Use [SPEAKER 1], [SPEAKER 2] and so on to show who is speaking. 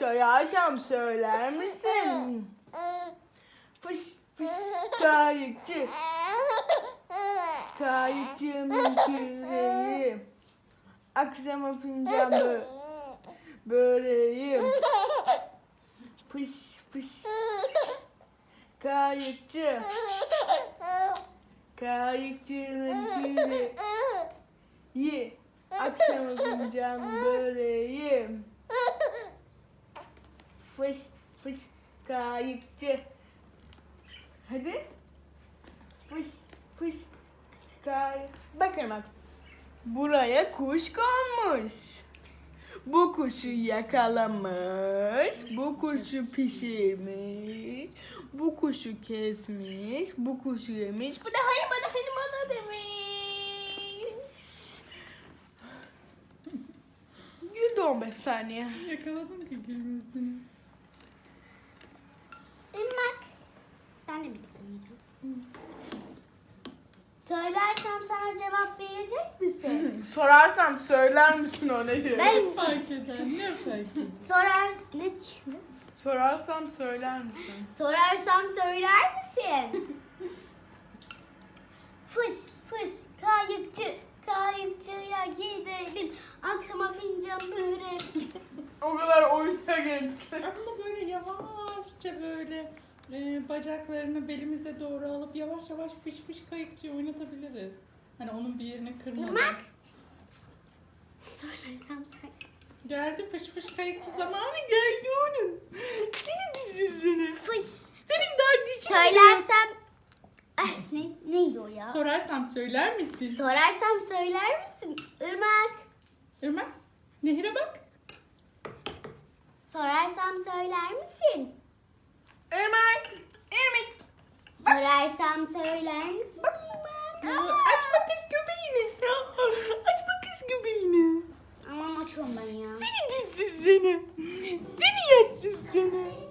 [SPEAKER 1] Sorarsam söyler misin? Fış fış kayıkçı. Kayıkçının küreği. Akşama fincan böreğim. Fış fış kayıkçı. Kayıkçının küreği. Akşama fincan böreğim. Fış fış kayıkçı. Hadi. Fış fış bakın bak. Buraya kuş konmuş. Bu kuşu yakalamış. Bu kuşu pişirmiş. Bu kuşu kesmiş. Bu kuşu yemiş. Bu da hani bana demiş. Güldü 15 saniye.
[SPEAKER 2] Yakaladım ki gülmesini.
[SPEAKER 3] Irmak. Ben de bilmiyorum. Söylersem sana cevap verecek misin?
[SPEAKER 1] Sorarsam söyler misin ona?
[SPEAKER 3] Ben
[SPEAKER 2] Ne fark eder? Ne fark eder?
[SPEAKER 3] ne?
[SPEAKER 1] Sorarsam söyler misin?
[SPEAKER 3] Sorarsam söyler misin? Fış fış kayıkçı. Kayıkçıya gidelim. Akşama fincan börek.
[SPEAKER 1] O kadar oyuna geçti.
[SPEAKER 2] Aslında böyle yavaşça böyle bacaklarını belimize doğru alıp yavaş yavaş fış fış kayıkçı oynatabiliriz. Hani onun bir yerini kırmadan.
[SPEAKER 3] Irmak. Söylersem söyle.
[SPEAKER 2] Geldi fış fış kayıkçı zamanı geldi onun. Senin dizisini.
[SPEAKER 3] Fış.
[SPEAKER 2] Senin daha dişin.
[SPEAKER 3] Söylersem... Neydi o ya?
[SPEAKER 2] Sorarsam söyler misin?
[SPEAKER 3] Sorarsam söyler misin? Irmak.
[SPEAKER 2] Irmak, Nehir'e bak.
[SPEAKER 3] Sorarsam söyler misin?
[SPEAKER 1] Irmak.
[SPEAKER 3] Sorarsam söyler misin? Irmak.
[SPEAKER 2] Açma kız göbeğini. Açma kız göbeğini.
[SPEAKER 3] Aman açıyorum ben ya.
[SPEAKER 2] Seni dizsiz seni. Seni yersiz seni.